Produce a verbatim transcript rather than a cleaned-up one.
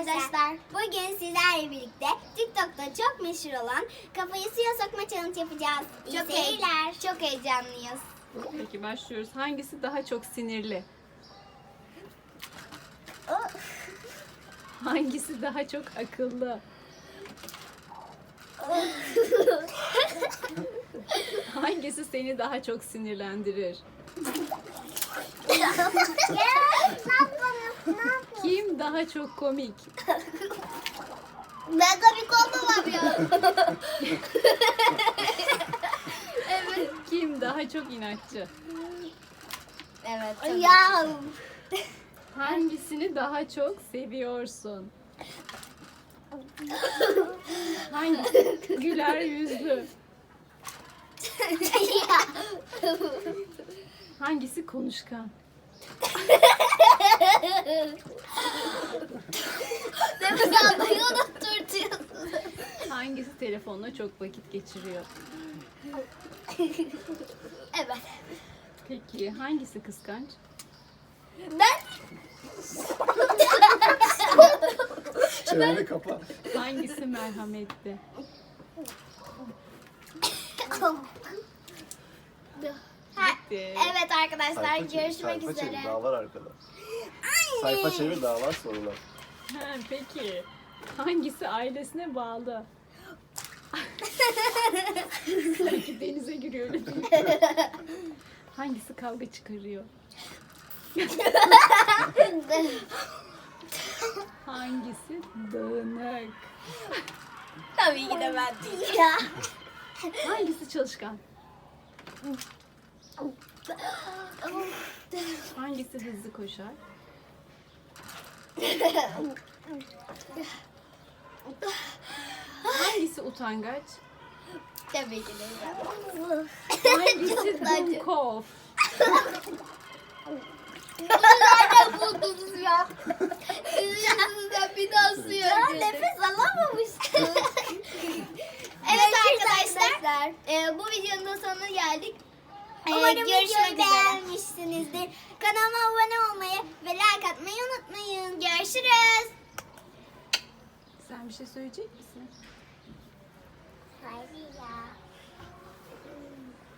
arkadaşlar. Bugün sizlerle birlikte TikTok'ta çok meşhur olan kafayı suya sokma challenge yapacağız. İyi Çok seyirler. Çok heyecanlıyız. Peki başlıyoruz. Hangisi daha çok sinirli? Hangisi daha çok akıllı? Hangisi seni daha çok sinirlendirir? Kim daha çok komik? Ben komik olmamam ya. Evet. Kim daha çok inatçı? Evet. Ya. Hangisini daha çok seviyorsun? Hangisi güler yüzlü? Hangisi konuşkan? Nefes almayı unutturtuyorsun. Hangisi telefonla çok vakit geçiriyor? Evet. Peki hangisi kıskanç? Ben Çeneni kapa. Hangisi merhametli? Ha, Bitti. evet arkadaşlar Sayfa çevir, görüşmek sayfa üzere. Çevir, daha var arkada. Sayfa çevir, daha var sorular. Ha, peki hangisi ailesine bağlı? Sanki denize giriyor öyle değil mi? Hangisi kavga çıkarıyor? Hangisi dağınık? Tabii ki de ben değil ya. Hangisi çalışkan? Hangisi hızlı koşar? Hangisi utangaç? Tabii ki de Hangisi dumkov? nereden buldunuz ya? Sizin yüzünüzden bir daha suya ya, nefes alamamıştım. Evet arkadaşlar, e, bu videonun da sonuna geldik. E, Umarım görüşmek videoyu üzere. beğenmişsinizdir. Kanalıma abone olmayı ve like atmayı unutmayın. Görüşürüz. Sen bir şey söyleyecek misin? Hayır ya.